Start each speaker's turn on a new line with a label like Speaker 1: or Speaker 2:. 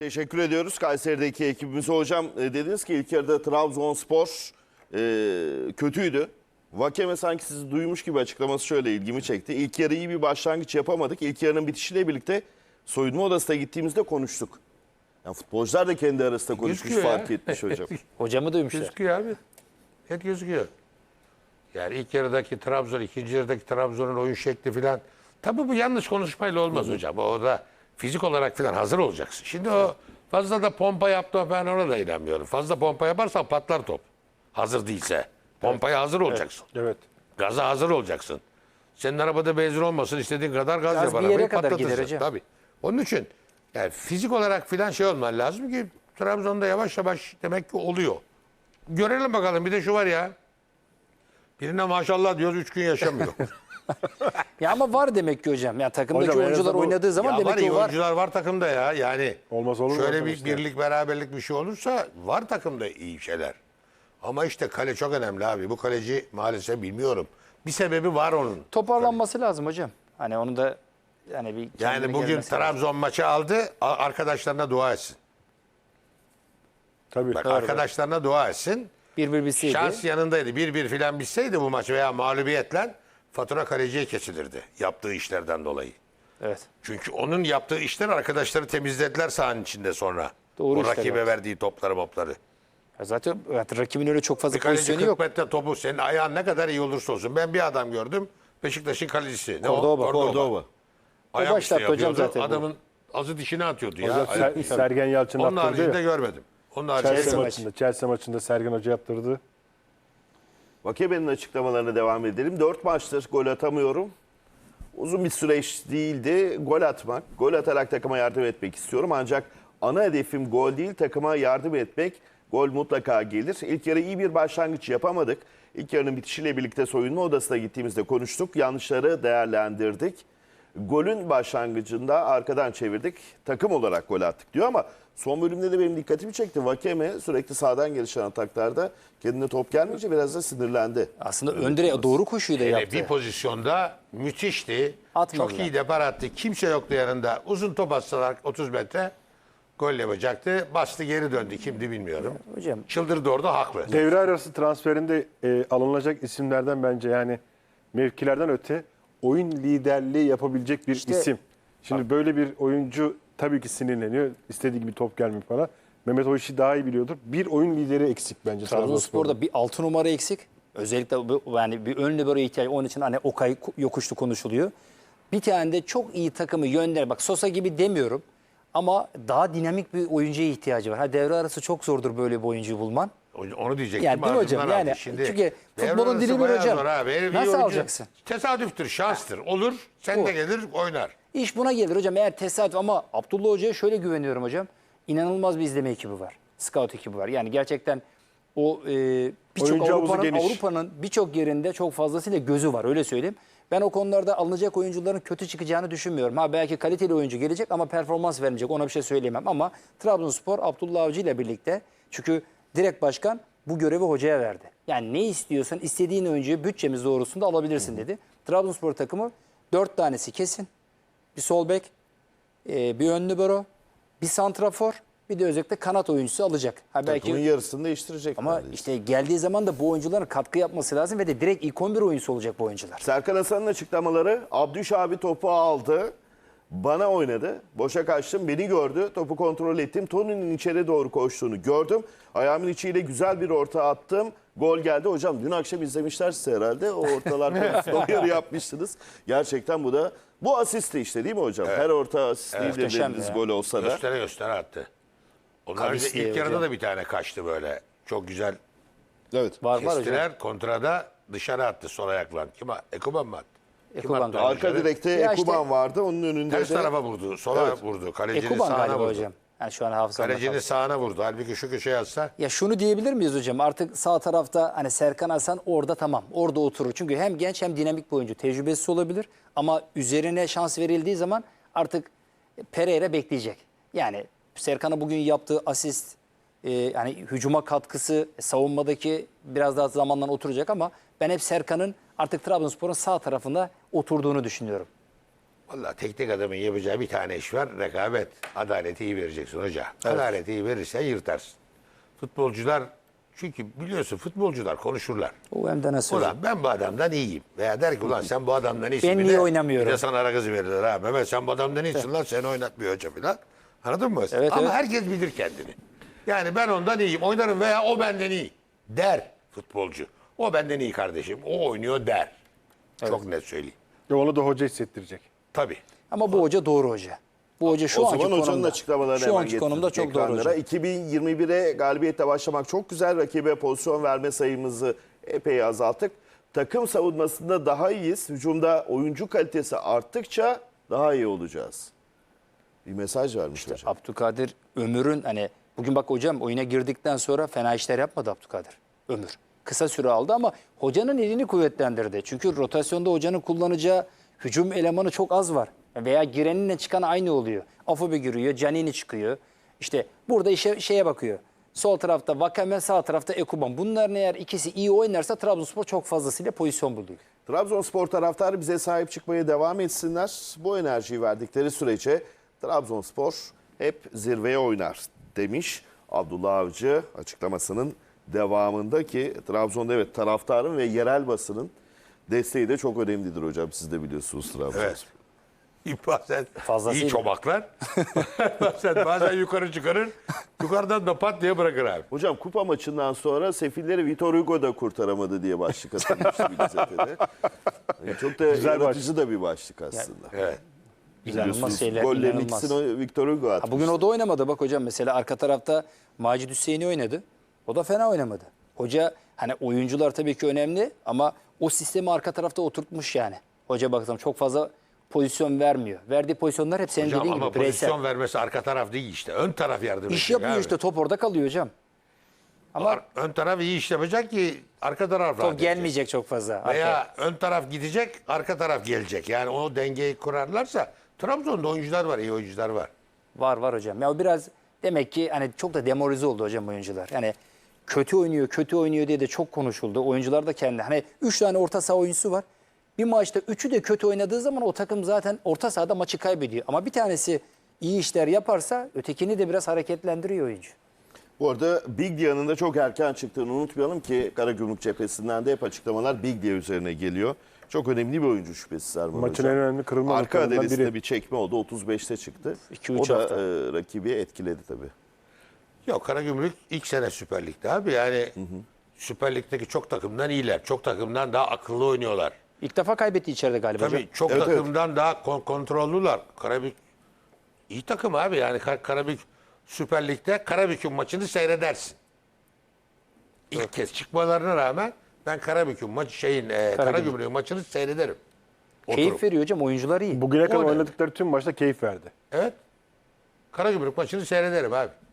Speaker 1: Teşekkür ediyoruz Kayseri'deki ekibimize. Hocam dediniz ki ilk yarıda Trabzonspor kötüydü. Vakeme sanki sizi duymuş gibi açıklaması şöyle ilgimi çekti. İlk yarı iyi bir başlangıç yapamadık. İlk yarının bitişiyle birlikte soyunma odasına gittiğimizde konuştuk. Yani futbolcular da kendi arasında konuşmuş,
Speaker 2: Gözüküyor
Speaker 1: fark
Speaker 2: ya.
Speaker 1: etmiş hocam.
Speaker 3: Hocamı duymuşlar.
Speaker 2: Gözüküyor abi. Net gözüküyor. Yani ilk yarıdaki Trabzon, ikinci yarıdaki Trabzon'un oyun şekli filan. Tabii bu yanlış konuşmayla olmaz hocam. O da fizik olarak filan hazır olacaksın. Şimdi o fazla da pompa yaptı, ben ona da inanmıyorum. Fazla pompa yaparsan patlar top. Hazır değilse. Pompaya hazır olacaksın.
Speaker 4: Evet.
Speaker 2: Gaza hazır olacaksın. Senin arabada benzin olmasın, istediğin kadar gaz
Speaker 3: Gaz
Speaker 2: yap
Speaker 3: bir
Speaker 2: arabayı,
Speaker 3: yere kadar gider
Speaker 2: patlatırsın.
Speaker 3: hocam.
Speaker 2: Tabii. Onun için yani fizik olarak filan şey olman lazım ki Trabzon'da yavaş yavaş demek ki oluyor. Görelim bakalım. Bir de şu var ya. Birine maşallah diyoruz 3 gün yaşamıyor.
Speaker 3: Ya ama var demek ki hocam. Ya takımdaki
Speaker 4: Hocam, en
Speaker 3: oyuncular
Speaker 4: azından bu-
Speaker 3: oynadığı zaman
Speaker 2: Ya
Speaker 3: demek
Speaker 2: var
Speaker 3: ki
Speaker 2: iyi
Speaker 3: o var.
Speaker 2: oyuncular var takımda ya. Yani
Speaker 4: Olmaz olur mu
Speaker 2: şöyle bir
Speaker 4: arkadaşlar?
Speaker 2: birlik beraberlik bir şey olursa var takımda iyi şeyler. Ama işte kale çok önemli abi. Bu kaleci maalesef bilmiyorum. Bir sebebi var onun.
Speaker 3: Toparlanması lazım hocam. Hani onu da yani bir
Speaker 2: Yani
Speaker 3: kendine
Speaker 2: bugün
Speaker 3: gelmesi lazım.
Speaker 2: Trabzon maçı aldı. Arkadaşlarına dua etsin.
Speaker 4: Tabii.
Speaker 2: Bak arkadaşlarına dua etsin.
Speaker 3: 1-1 bitseydi.
Speaker 2: Şans yanındaydı. 1-1 filan bitseydi bu maç veya mağlubiyetle fatura kaleciye kesilirdi. Yaptığı işlerden dolayı.
Speaker 3: Evet.
Speaker 2: Çünkü onun yaptığı işler arkadaşları temizlediler sahanın içinde sonra.
Speaker 3: Doğru
Speaker 2: o
Speaker 3: işler
Speaker 2: rakibe
Speaker 3: yaptı.
Speaker 2: verdiği topları mopları.
Speaker 3: Ya zaten rakibin öyle çok fazla
Speaker 2: Bir kaleci
Speaker 3: pozisyonu
Speaker 2: 40
Speaker 3: yok.
Speaker 2: metre topu senin ayağın ne kadar iyi olursa olsun. Ben bir adam gördüm. Beşiktaş'ın kalecisi. Ne
Speaker 3: Cordoba.
Speaker 2: o?
Speaker 1: Cordoba.
Speaker 2: Ayaküstü
Speaker 3: başlattı hocam
Speaker 2: yapıyordu.
Speaker 3: zaten bu.
Speaker 2: Adamın azı dişini atıyordu ya.
Speaker 4: Hocam Sergen Yalçın
Speaker 2: Onun
Speaker 4: yaptırdı
Speaker 2: haricinde
Speaker 4: ya.
Speaker 2: görmedim. Onun
Speaker 4: Chelsea
Speaker 2: haricinde
Speaker 4: maçında, Chelsea maçında Sergen Hoca yaptırdı.
Speaker 1: Vakeme'nin açıklamalarına devam edelim. 4 maçtır gol atamıyorum. Uzun bir süreç değildi. Gol atmak, gol atarak takıma yardım etmek istiyorum. Ancak ana hedefim gol değil, takıma yardım etmek. Gol mutlaka gelir. İlk yarı iyi bir başlangıç yapamadık. İlk yarının bitişiyle birlikte soyunma odasına gittiğimizde konuştuk. Yanlışları değerlendirdik. Golün başlangıcında arkadan çevirdik. Takım olarak gol attık diyor ama son bölümde de benim dikkatimi çekti. Vakeme sürekli sağdan gelişen ataklarda kendine top gelmeyince biraz da sinirlendi.
Speaker 3: Aslında ön direğe doğru koşuyu da yaptı.
Speaker 2: bir pozisyonda müthişti.
Speaker 3: Atmadılar.
Speaker 2: Çok iyi depar attı. Kimse yoktu yanında. Uzun top atsalar 30 metre gol yapacaktı. Bastı geri döndü. Kimdi bilmiyorum.
Speaker 3: Hocam
Speaker 2: Çıldırdı orada haklı.
Speaker 4: Devre arası transferinde alınacak isimlerden bence yani mevkilerden öte oyun liderliği yapabilecek bir
Speaker 3: İşte-
Speaker 4: isim. Şimdi böyle bir oyuncu tabii ki sinirleniyor. İstediği gibi top gelmiyor falan. Mehmet o işi daha iyi biliyordur. Bir oyun lideri eksik bence
Speaker 3: Trabzonspor'da bir 6 numara eksik. Özellikle yani bir ön libero ihtiyacı. Onun için hani Okay yokuşlu konuşuluyor. Bir tane de çok iyi takımı yönler. Bak Sosa gibi demiyorum. Ama daha dinamik bir oyuncuya ihtiyacı var. Ha devre arası çok zordur böyle bir oyuncuyu bulman.
Speaker 2: Onu diyecektim.
Speaker 3: Yani değil mi hocam?
Speaker 2: ardından
Speaker 3: Yani
Speaker 2: aldı.
Speaker 3: çünkü
Speaker 2: devre
Speaker 3: futbolun
Speaker 2: arası
Speaker 3: dili bir
Speaker 2: bayağı
Speaker 3: hocam.
Speaker 2: zor abi. Herif iyi
Speaker 3: Nasıl
Speaker 2: oyuncu.
Speaker 3: alacaksın?
Speaker 2: Tesadüftür, şanstır. Olur, sen de gelir oynar.
Speaker 3: İş buna gelir hocam eğer tesadüf ama Abdullah Hoca'ya şöyle güveniyorum hocam. İnanılmaz bir izleme ekibi var. Scout ekibi var. Yani gerçekten o birçok
Speaker 4: Oyuncu havuzu
Speaker 3: Avrupa'nın
Speaker 4: geniş.
Speaker 3: birçok yerinde çok fazlasıyla gözü var öyle söyleyeyim. Ben o konularda alınacak oyuncuların kötü çıkacağını düşünmüyorum. Ha belki kaliteli oyuncu gelecek ama performans vermeyecek ona bir şey söyleyemem. Ama Trabzonspor Abdullah Avcı ile birlikte çünkü direkt başkan bu görevi hocaya verdi. Yani ne istiyorsan istediğin oyuncuyu bütçemiz doğrusunda alabilirsin dedi. Trabzonspor takımı 4 tanesi kesin. Bir sol bek, bir ön libero, bir santrafor, bir de özellikle kanat oyuncusu alacak. Ha belki
Speaker 1: Takımın yarısını değiştirecek.
Speaker 3: ama
Speaker 1: neredeyse.
Speaker 3: işte geldiği zaman da bu oyuncuların katkı yapması lazım ve de direkt ilk 11 oyuncusu olacak bu oyuncular.
Speaker 1: Serkan Hasan'ın açıklamaları, Abdüş abi topu aldı, bana oynadı, boşa kaçtım, beni gördü, topu kontrol ettim, Tony'nin içeri doğru koştuğunu gördüm, ayağımın içiyle güzel bir orta attım, gol geldi. Hocam dün akşam izlemişler size herhalde, o ortalar konusunda uyarı yapmışsınız. Gerçekten bu asist de işte değil mi hocam? Her orta asist değildir
Speaker 3: Muhteşem
Speaker 1: dediniz
Speaker 3: ya.
Speaker 1: gol olsa da.
Speaker 2: Göstere göstere attı. Onlar
Speaker 3: Kavis
Speaker 2: ilk
Speaker 3: diye
Speaker 2: yarıda
Speaker 3: hocam.
Speaker 2: da bir tane kaçtı böyle. Çok güzel
Speaker 1: Evet.
Speaker 3: Var hocam.
Speaker 2: kestiler. Kontrada dışarı attı sol ayakla. Ekuban mı attı? Kim
Speaker 3: Ekuban
Speaker 2: attı
Speaker 3: galiba.
Speaker 2: onu
Speaker 1: Arka
Speaker 2: dışarı?
Speaker 1: direkte
Speaker 3: Ya işte-
Speaker 1: Ekuban vardı, onun önünde
Speaker 2: Ters
Speaker 1: de...
Speaker 2: tarafa vurdu. Sola
Speaker 1: Evet.
Speaker 2: vurdu. Kalecinin
Speaker 3: Ekuban
Speaker 2: sağına
Speaker 3: galiba
Speaker 2: vurdu.
Speaker 3: hocam. Yani şu an hafızamda
Speaker 2: Kalecinin
Speaker 3: kaldı.
Speaker 2: sağına vurdu. Halbuki şu köşeye atsa
Speaker 3: Ya şunu diyebilir miyiz hocam? Artık sağ tarafta hani Serkan Hasan orada tamam. Orada oturur. Çünkü hem genç hem dinamik bir oyuncu. Tecrübesiz olabilir. Ama üzerine şans verildiği zaman artık Pereira bekleyecek. Yani Serkan'a bugün yaptığı asist, yani hücuma katkısı, savunmadaki biraz daha zamanla oturacak ama ben hep Serkan'ın artık Trabzonspor'un sağ tarafında oturduğunu düşünüyorum.
Speaker 2: Vallahi teknik adamın yapacağı bir tane iş var. Rekabet. Adaleti iyi vereceksin hoca. Adaleti iyi verirsen yırtarsın. Futbolcular, çünkü biliyorsun futbolcular konuşurlar.
Speaker 3: O hem de nasıl hocam?
Speaker 2: Ulan ben bu adamdan iyiyim. Veya der ki ulan sen bu adamdan iyisin.
Speaker 3: Ben
Speaker 2: Bir
Speaker 3: niye
Speaker 2: de-
Speaker 3: oynamıyorum?
Speaker 2: Bir de sana ara kızı verirler ha. Mehmet sen bu adamdan iyisin lan, seni oynatmıyor hoca falan. Anladın mı?
Speaker 3: Evet,
Speaker 2: Ama
Speaker 3: evet.
Speaker 2: herkes bilir kendini. Yani ben ondan iyiyim, oynarım veya o benden iyi der futbolcu. O benden iyi kardeşim, o oynuyor der. Çok net söyleyeyim.
Speaker 4: Ve onu da hoca hissettirecek.
Speaker 2: Tabii.
Speaker 3: Ama bu hoca doğru hoca. Bu hoca şu
Speaker 1: O
Speaker 3: anki
Speaker 1: zaman hocanın
Speaker 3: konumda.
Speaker 1: açıklamalarını
Speaker 3: Şu
Speaker 1: hemen
Speaker 3: anki konumda çok
Speaker 1: getirdik
Speaker 3: doğru
Speaker 1: ekranlara.
Speaker 3: hoca.
Speaker 1: 2021'e galibiyetle başlamak çok güzel. Rakibe pozisyon verme sayımızı epey azalttık. Takım savunmasında daha iyiyiz. Hücumda oyuncu kalitesi arttıkça daha iyi olacağız. Bir mesaj vermiş hocam.
Speaker 3: Abdülkadir Ömür'ün hani bugün bak hocam oyuna girdikten sonra fena işler yapmadı Abdülkadir Ömür. Kısa süre aldı ama hocanın elini kuvvetlendirdi. Çünkü rotasyonda hocanın kullanacağı hücum elemanı çok az var. Veya gireninle çıkan aynı oluyor. Afobe giriyor, Canini çıkıyor. İşte burada şeye bakıyor. Sol tarafta Vakame, sağ tarafta Ekuban. Bunların eğer ikisi iyi oynarsa Trabzonspor çok fazlasıyla pozisyon buluyor.
Speaker 1: Trabzonspor taraftarı bize sahip çıkmaya devam etsinler. Bu enerjiyi verdikleri sürece Trabzonspor hep zirveye oynar demiş Abdullah Avcı açıklamasının devamında ki Trabzon'da evet taraftarın ve yerel basının desteği de çok önemlidir hocam. Siz de biliyorsunuz Trabzonspor.
Speaker 2: Evet. Bazen
Speaker 3: Fazlasıyla.
Speaker 2: iyi çomaklar. bazen yukarı çıkarır. Yukarıdan da pat diye bırakır abi.
Speaker 1: Hocam kupa maçından sonra sefilleri Vitor Hugo da kurtaramadı diye başlık atılmıştı bir gazetede. Yani çok da
Speaker 4: Güzel
Speaker 1: yaratıcı da bir başlık aslında.
Speaker 2: Evet.
Speaker 3: İnanılmaz
Speaker 1: Biliyorsunuz,
Speaker 3: şeyler,
Speaker 1: gollerin
Speaker 3: inanılmaz.
Speaker 1: ikisini Victor Hugo atmış.
Speaker 3: Bugün o da oynamadı bak hocam. Mesela arka tarafta Macit Hüseyin'i oynadı. O da fena oynamadı. Hoca hani oyuncular tabii ki önemli ama o sistemi arka tarafta oturtmuş yani. Hoca baksam çok fazla pozisyon vermiyor. Verdiği pozisyonlar hep senin
Speaker 2: Hocam
Speaker 3: dediğin
Speaker 2: ama
Speaker 3: gibi bireysel.
Speaker 2: pozisyon vermesi arka taraf değil işte. Ön taraf yardım edecek.
Speaker 3: İş yapıyor
Speaker 2: abi.
Speaker 3: işte top orada kalıyor hocam. Ama
Speaker 2: Ön taraf iyi iş yapacak ki arka taraf rahat
Speaker 3: top
Speaker 2: edecek.
Speaker 3: gelmeyecek çok fazla. Arkaya.
Speaker 2: Veya ön taraf gidecek, arka taraf gelecek. Yani o dengeyi kurarlarsa Trabzon'da oyuncular var, iyi oyuncular var.
Speaker 3: Var hocam. Ya o biraz demek ki hani çok da demoralize oldu hocam oyuncular. Yani kötü oynuyor diye de çok konuşuldu. Oyuncular da kendi hani 3 tane orta saha oyuncusu var. Bir maçta 3'ü de kötü oynadığı zaman o takım zaten orta sahada maçı kaybediyor. Ama bir tanesi iyi işler yaparsa ötekini de biraz hareketlendiriyor oyuncu.
Speaker 1: Bu arada Biglia'nın da çok erken çıktığını unutmayalım ki Karagümrük cephesinden de hep açıklamalar Biglia üzerine geliyor. Çok önemli bir oyuncu şüphesiz Erman
Speaker 4: Maçın
Speaker 1: hocam.
Speaker 4: en önemli kırılma
Speaker 1: Arka
Speaker 4: noktalarından
Speaker 1: adresinde
Speaker 4: biri.
Speaker 1: bir çekme oldu. 35'te çıktı.
Speaker 3: 2-3
Speaker 1: O da
Speaker 3: hafta.
Speaker 1: rakibi etkiledi tabii.
Speaker 2: Yok Karagümrük ilk sene Süper Lig'de abi. Yani Süper Lig'deki çok takımdan iyiler. Çok takımdan daha akıllı oynuyorlar.
Speaker 3: İlk defa kaybetti içeride galiba
Speaker 2: Tabii
Speaker 3: hocam.
Speaker 2: çok
Speaker 1: Evet,
Speaker 2: takımdan daha kontrollüler. Karabük iyi takım abi. Yani Karabük Süper Lig'de Karabük'ün maçını seyredersin. İlk kez çıkmalarına rağmen ben Karabük'ün Karagümrük'ün maçını seyrederim.
Speaker 3: Keyif
Speaker 2: Oturup.
Speaker 3: veriyor hocam. Oyuncular iyi.
Speaker 4: Bugüne kadar
Speaker 2: O ne?
Speaker 4: oynadıkları tüm maçta keyif verdi.
Speaker 2: Evet. Karagümrük maçını seyrederim abi.